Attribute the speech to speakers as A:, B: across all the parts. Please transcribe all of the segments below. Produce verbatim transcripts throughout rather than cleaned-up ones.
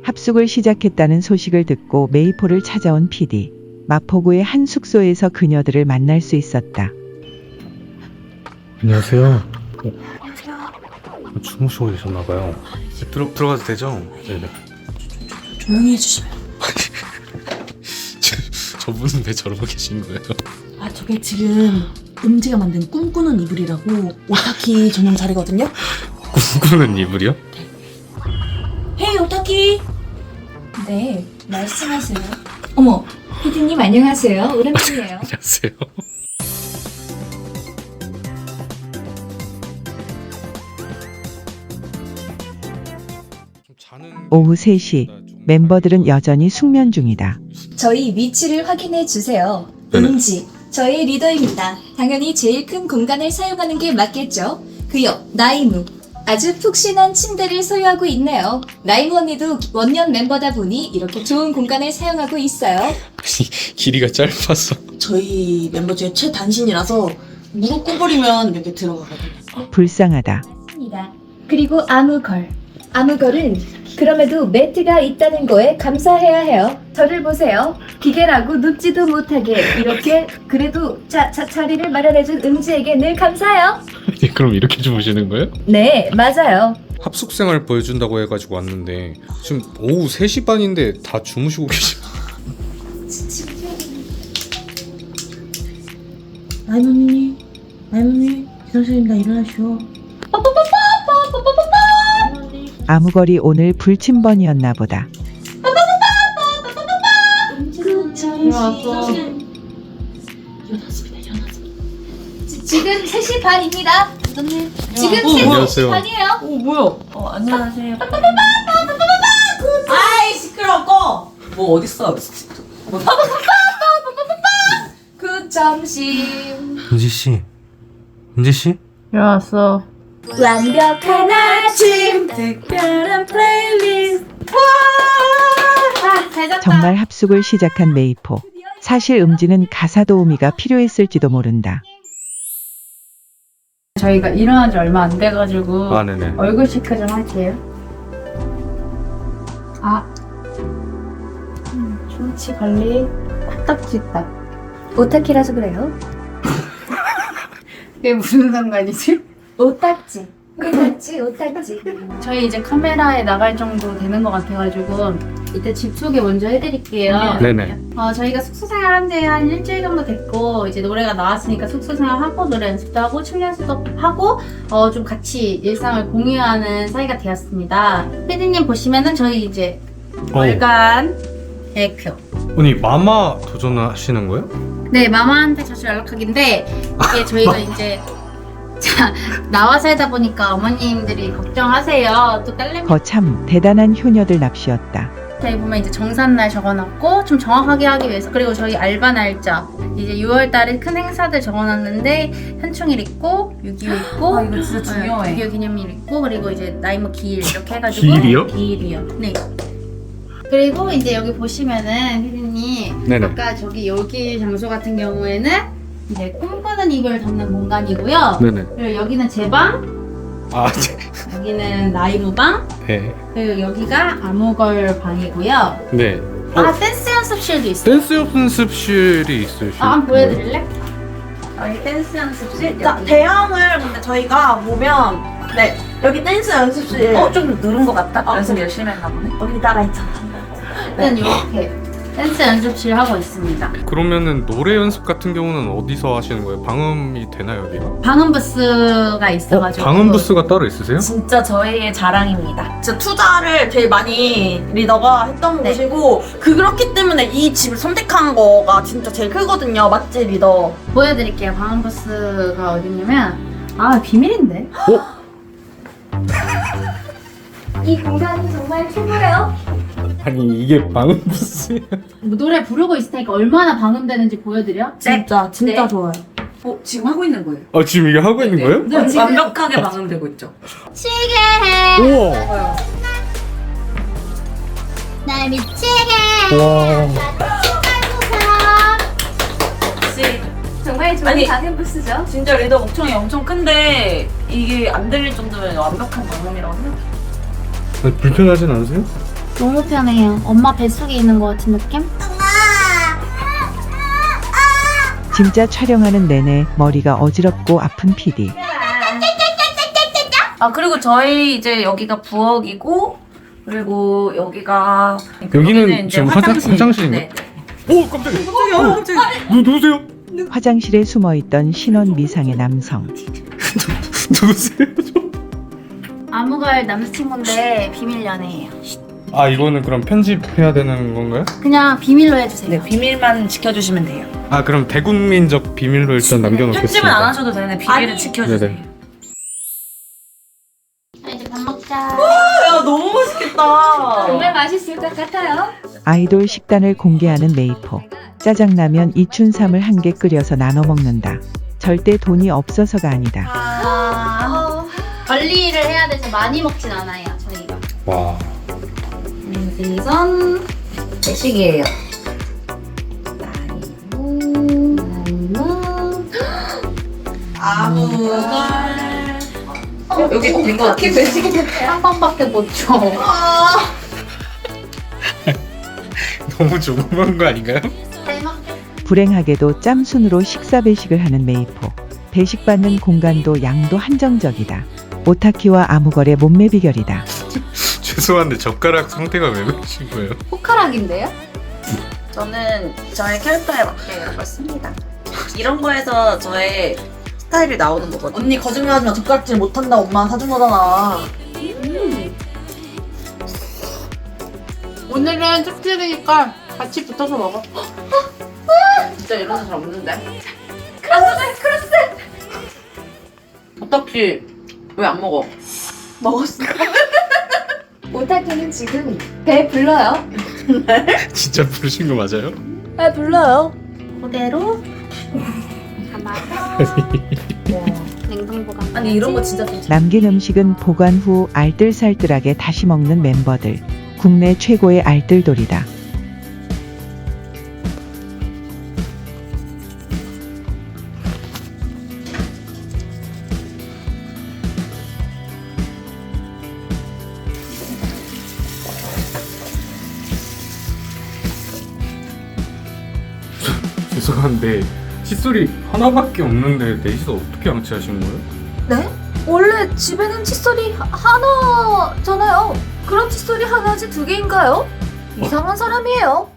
A: 합숙을 시작했다는 소식을 듣고 메이포를 찾아온 피디. 마포구의 한 숙소에서 그녀들을 만날 수 있었다.
B: 안녕하세요.
C: 안녕하세요.
B: 주무시고 계셨나봐요. 들어, 들어가도 되죠? 네네.
C: 조용히 해주시면.
B: 저, 저분은 왜 저러고 계신 거예요?
C: 아, 저게 지금 음지가 만든 꿈꾸는 이불이라고 오타키 전용 자리거든요.
B: 꿈꾸는 이불이요?
C: 헤이 오타키.
D: 네, 말씀하세요. 어머, 피디님 안녕하세요. 오랜만이에요.
B: 안녕하세요.
A: 오후 세 시, 멤버들은 여전히 숙면 중이다.
D: 저희 위치를 확인해 주세요.
B: 네네.
D: 음지, 저희 리더입니다. 당연히 제일 큰 공간을 사용하는 게 맞겠죠? 그 옆, 나이무. 아주 푹신한 침대를 소유하고 있네요. 나이무 언니도 원년 멤버다 보니 이렇게 좋은 공간을 사용하고 있어요.
B: 아니, 길이가 짧아서.
C: 저희 멤버 중에 최단신이라서 무릎 꿇어버리면 이렇게 들어가거든요.
A: 불쌍하다.
D: 입니다. 그리고 아무걸. 아무걸은 그럼에도 매트가 있다는 거에 감사해야 해요. 저를 보세요. 기계라고 눕지도 못하게 이렇게 그래도 자, 자 자리를 마련해준 음지에게 늘 감사해요.
B: 아니, 그럼 이렇게 주무시는 거예요?
D: 네, 맞아요.
B: 합숙생활 보여준다고 해가지고 왔는데 지금 오후 세 시 반인데 다 주무시고 계시.
C: 나이모님, 나이모님, 기상실입니다. 일어나시오.
A: 아무거리 오늘 불침번이었나 보다.
C: 일어났어. 일어났습니다. 일어났습니다.
D: 지금 세 시 반입니다. 지금
C: 어,
D: 세
B: 안녕하세요.
D: 시 반이에요.
C: 오, 뭐야? 어, 안녕하세요. 아이, 시끄러워, 꺼! 뭐, 어딨어?
D: 그 점심
B: 은지 씨, 은지 씨?
C: 일어났어.
D: 완벽한 아침.
C: 특별한 플레이리스트.
D: 아, 잘 잤다.
A: 정말 합숙을 시작한 메이포. 사실 음지는 가사 도우미가 필요했을지도 모른다.
E: 저희가 일어난 지 얼마 안 돼가지고
B: 아 네네.
E: 얼굴 체크 좀 할게요. 아, 음, 충치 관리, 코딱지 딱.
D: 오타키라서 그래요.
E: 그게 무슨 상관이지?
D: 오딱지. 오딱지, 오딱지.
E: 저희 이제 카메라에 나갈 정도 되는 것 같아가지고 이때 집 소개 먼저 해드릴게요.
B: 네네.
E: 어, 저희가 숙소 생활한 지 한 일주일 정도 됐고 이제 노래가 나왔으니까 숙소 생활하고 노래 연습도 하고 춤 연습도 하고 어, 좀 같이 일상을 공유하는 사이가 되었습니다. 피디님 보시면은 저희 이제 월간 계획표.
B: 아니 마마 도전하시는 거예요?
E: 네, 마마한테 자주 연락하기인데 이게 저희가 이제 자, 나와 살다 보니까 어머님들이 걱정하세요. 또 딸내미
A: 거참 대단한 효녀들 납시였다.
E: 저희 보면 이제 정산날 적어놨고 좀 정확하게 하기 위해서 그리고 저희 알바 날짜 이제 유월 달에 큰 행사들 적어놨는데 현충일 있고 육이오 있고
C: 아, 이거 진짜 중요해.
E: 육이오 기념일 있고 그리고 이제 나이모 기일 이렇게 해가지고
B: 기일이요?
E: 기일이요. 네. 그리고 이제 여기 보시면은 피디님
B: 네네.
E: 아까 저기 여기 장소 같은 경우에는 이제 꿈꾸는 이불 담는 공간이고요.
B: 네네.
E: 그리고 여기는 제 방,
B: 아 네.
E: 여기는 나이모 방,
B: 네.
E: 그리고 여기가 아무걸 방이고요.
B: 네.
E: 아 댄스 연습실도 있어요.
B: 댄스 연습실이 있으시요
E: 아, 한번 보여드릴래? 여기 댄스 연습실.
C: 자,
E: 여기.
C: 대형을 근데 저희가 보면 네 여기 댄스 연습실 어 좀 늘은 것 같다. 연습 열심히 했나 보네. 여기다가 있잖아.
E: 일단 이렇게 댄스 연습실 하고 있습니다.
B: 그러면은 노래 연습 같은 경우는 어디서 하시는 거예요? 방음이 되나요 여기가?
E: 방음 부스가 있어가지고.
B: 방음 부스가 따로 있으세요?
C: 진짜 저희의 자랑입니다. 진짜 투자를 제일 많이 리더가 했던
E: 네.
C: 곳이고 그렇기 때문에 이 집을 선택한 거가 진짜 제일 크거든요. 맞지 리더?
E: 보여드릴게요. 방음 부스가 어딨냐면 아 비밀인데.
D: 이 공간은 정말 최고예요.
B: 아니 이게 방음 부스예요?
E: 뭐 노래 부르고 있을 테니까 얼마나 방음되는지 보여드려?
C: 진짜 진짜
D: 네.
C: 좋아요.
F: 어, 지금 하고 있는 거예요.
B: 아 지금 이게 하고 있는 거예요?
F: 네, 지금 완벽하게 방음되고 있죠.
E: 미치게 해.
B: 우와.
E: 날 미치게
B: 와.
C: 혹시
D: 정말 좋은
C: 아니,
D: 방음 부스죠.
C: 진짜 리더 목청이 엄청 큰데 이게 안 들릴 정도면 완벽한 방음이라고 생각해요.
B: 아니, 불편하진 않으세요?
E: 너무 편해요. 엄마 뱃속에 있는 것 같은 느낌?
A: 진짜 촬영하는 내내 머리가 어지럽고 아픈 피디.
C: 아 그리고 저희 이제 여기가 부엌이고 그리고 여기가
B: 여기는
C: 이제
B: 지금 화장- 화장실인가요?
C: 네, 네.
B: 오 깜짝이야. 어, 깜짝이야. 누 누구세요?
A: 화장실에 숨어있던 신원 미상의 남성.
B: 누구세요?
E: 아무갈 남자친구인데 비밀 연애예요.
B: 아 이거는 그럼 편집해야 되는 건가요?
E: 그냥 비밀로 해주세요.
C: 네 비밀만 지켜주시면 돼요.
B: 아 그럼 대국민적 비밀로 일단 남겨놓겠습니다.
C: 편집은 안 하셔도 되는데 비밀을
E: 아니.
C: 지켜주세요.
B: 네네.
E: 자, 이제 밥 먹자.
C: 야 너무 맛있겠다.
D: 정말 맛있을 것 같아요.
A: 아이돌 식단을 공개하는 메이포. 짜장라면 이춘삼을 한 개 끓여서 나눠 먹는다. 절대 돈이 없어서가 아니다.
E: 아, 관리를 해야 돼서 많이 먹진 않아요, 저희가.
B: 와.
E: 우선
C: 대식이에요. 아무 여기 된 거 같아.
E: 한 번밖에 못 줘.
B: 너무 조그만 거 아닌가요?
E: 잘 먹게.
A: 불행하게도 짬순으로 식사 배식을 하는 메이포. 배식받는 공간도 양도 한정적이다. 오타키와 아무걸의 몸매 비결이다.
B: 죄송한데 젓가락 상태가 왜 그러신 거예요?
E: 포카락인데요?
C: 저는 저의 캐릭터에 맞게 이런 걸 씁니다. 이런 거에서 저의 스타일이 나오는 거거든요.
G: 언니 거짓말하지 마. 젓가락질 못한다. 엄마 사준 거잖아.
E: 오늘은 특집이니까 같이 붙어서 먹어.
C: 진짜 이런 사람 없는데?
F: 어떡해. 왜 안 먹어?
G: 먹었어.
D: 오타키는 지금 배 불러요.
B: 진짜 부르신 거 맞아요?
G: 아 불러요.
E: 그대로 담아서 냉동 보관.
G: 아니 이런 거 진짜 좀.
A: 남긴 음식은 보관 후 알뜰살뜰하게 다시 먹는 멤버들. 국내 최고의 알뜰돌이다.
B: 죄송한데 칫솔이 하나밖에 없는데 넷이서 어떻게 양치하신 거예요?
D: 네? 원래 집에는 칫솔이 하- 하나잖아요. 그럼 칫솔이 하나지 두 개인가요? 이상한 사람이에요.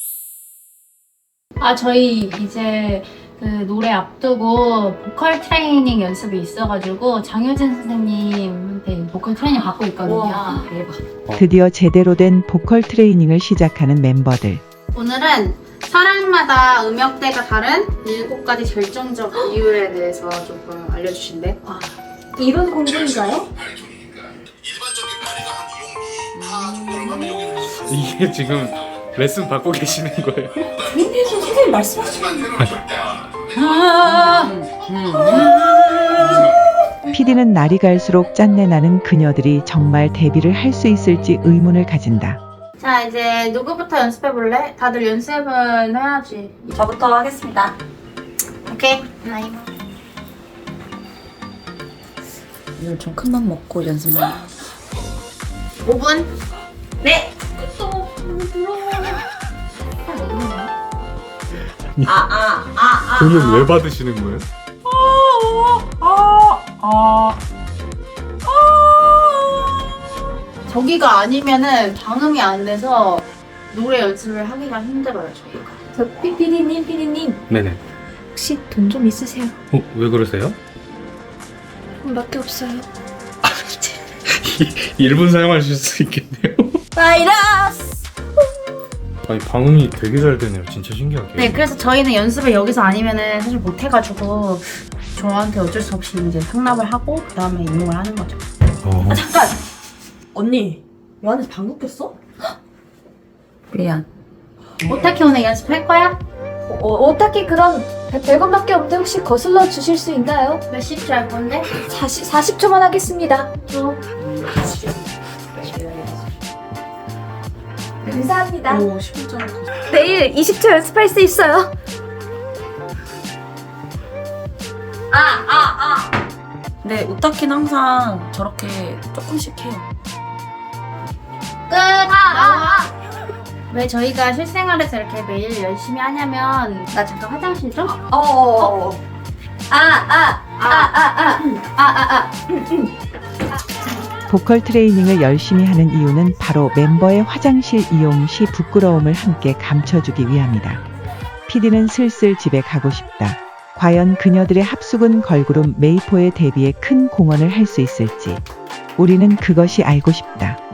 E: 아 저희 이제 그 노래 앞두고 보컬 트레이닝 연습이 있어가지고 장효진 선생님한테 보컬 트레이닝 받고 있거든요.
C: 와 대박.
A: 드디어 제대로 된 보컬 트레이닝을 시작하는 멤버들.
E: 오늘은 사람마다 음역대가 다른 일곱 가지 결정적 이유에 대해서 조금 알려주신대.
D: 이런 공부인가요?
B: 이게 지금 레슨 받고 계시는 거예요?
G: 선생님 말씀하시면
A: 피디는 날이 갈수록 짠내 나는 그녀들이 정말 데뷔를 할 수 있을지 의문을 가진다.
E: 자 이제 누구부터 연습해볼래? 다들 연습은 해야지.
C: 저부터 하겠습니다.
E: 오케이. 나이모.
C: 오늘 좀 큰 맘 먹고 연습만.
E: 오 분.
C: 네. 아아아 아, 아,
B: 돈은 왜 받으시는 거예요?
E: 저기가 아니면은 방음이 안 돼서 노래 연습을 하기가 힘들어요 저희가.
D: 저 피- 피디님, 피디님
B: 네네.
D: 혹시 돈 좀 있으세요?
B: 어, 왜 그러세요?
D: 돈밖에 없어요.
B: 일 분 사용하실 수 있겠네요.
G: 바이러스.
B: 아니 방음이 되게 잘 되네요. 진짜 신기하게.
E: 네, 그래서 저희는 연습을 여기서 아니면은 사실 못 해가지고 저한테 어쩔 수 없이 이제 상납을 하고 그 다음에 임용을 하는 거죠.
B: 어.
G: 아 잠깐. 언니 요한이 방귀 꼈어?
C: 미안.
E: 오타키 오늘 연습할 거야?
D: 어, 오타키 그럼 백 원밖에 없는데 혹시 거슬러 주실 수 있나요?
E: 몇십 줄 할 건데?
D: 사십, 사십 초만 하겠습니다.
E: 줘.
D: 감사합니다.
C: 오 심장.
D: 내일 이십 초 연습할 수 있어요.
C: 네 오타키는 항상 저렇게 조금씩 해요.
E: 끝! 아, 왜 저희가 실생활에서 이렇게 매일 열심히 하냐면 나 잠깐 화장실 좀?
G: 어어어.
E: 아, 아, 아, 아, 아, 아, 아, 아.
A: 보컬 트레이닝을 열심히 하는 이유는 바로 멤버의 화장실 이용 시 부끄러움을 함께 감춰주기 위함이다. 피디는 슬슬 집에 가고 싶다. 과연 그녀들의 합숙은 걸그룹 메이포의 데뷔에 큰 공헌을 할 수 있을지 우리는 그것이 알고 싶다.